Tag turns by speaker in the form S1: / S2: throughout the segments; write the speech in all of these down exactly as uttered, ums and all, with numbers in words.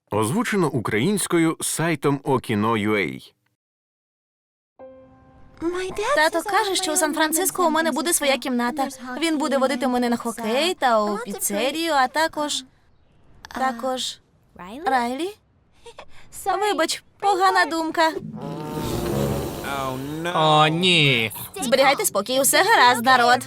S1: Озвучено українською сайтом Okino.ua.
S2: Тато каже, що у Сан-Франциско у мене буде своя кімната. Він буде водити мене на хокей та у піцерію, а також... Також... Райлі? Вибач, погана думка.
S3: О, ні.
S2: Зберігайте спокій, усе гаразд, народ.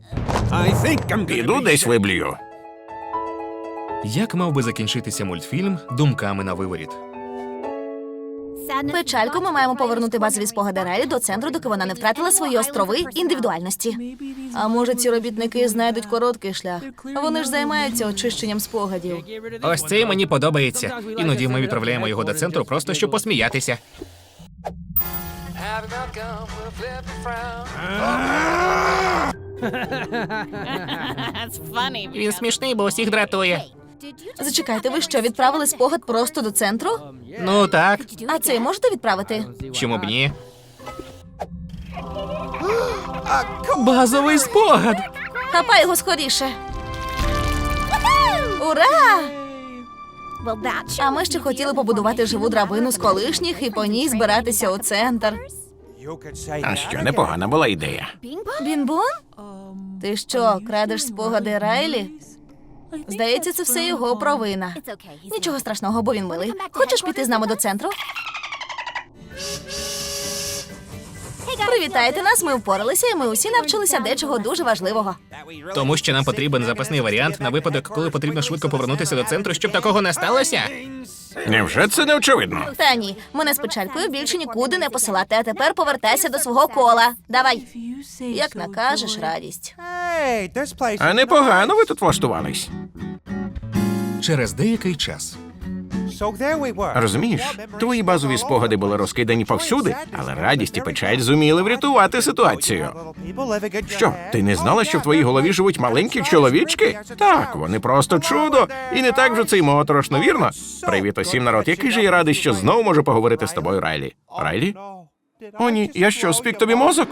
S1: Піду десь виблюю.
S3: Як мав би закінчитися мультфільм думками на виворіт?
S2: Печальку, ми маємо повернути базові спогади Райлі до центру, доки вона не втратила свої острови індивідуальності. А може, ці робітники знайдуть короткий шлях? Вони ж займаються очищенням спогадів.
S3: Ось це мені подобається. Іноді ми відправляємо його до центру просто, щоб посміятися. Він смішний, бо усіх дратує.
S2: Зачекайте, ви що, відправили спогад просто до центру?
S3: Ну так,
S2: А цей можете відправити?
S3: чому б ні? Базовий спогад!
S2: Хапай його скоріше. Ура! А ми ще хотіли побудувати живу драбину з колишніх і по ній збиратися у центр.
S1: А що, непогана була ідея.
S2: Бінбон? Ти що, крадеш спогади Райлі? Здається, це все його провина. Нічого страшного, бо він милий. Хочеш піти з нами до центру? Привітайте нас, ми впоралися, і ми усі навчилися дечого дуже важливого.
S3: Тому що нам потрібен запасний варіант на випадок, коли потрібно швидко повернутися до центру, щоб такого не сталося.
S1: Невже це не очевидно?
S2: Та ні, мене з печалькою більше нікуди не посилати, а тепер повертайся до свого кола. Давай. Як накажеш, радість.
S1: А непогано ви тут влаштувались.
S3: Через деякий час.
S1: Розумієш, твої базові спогади були розкидані повсюди, але радість і печаль зуміли врятувати ситуацію. Що, ти не знала, що в твоїй голові живуть маленькі чоловічки? Так, вони просто чудо. І не так вже це й моторошно, вірно? Привіт усім, народ. Який же я радий, що знову можу поговорити з тобою, Райлі. Райлі? О, ні, я що, спік тобі мозок?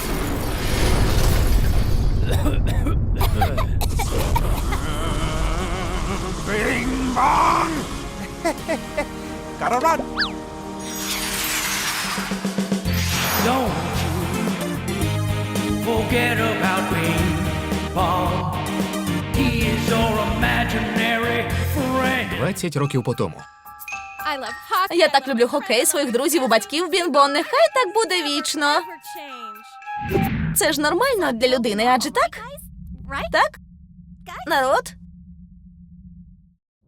S4: Don't you forget about Bing Bong. He is your imaginary friend.
S3: двадцять років по тому.
S2: Я так люблю хокей, своїх друзів, у батьків, Бінбон. Нехай так буде вічно. Це ж нормально для людини, адже так? Так? Народ?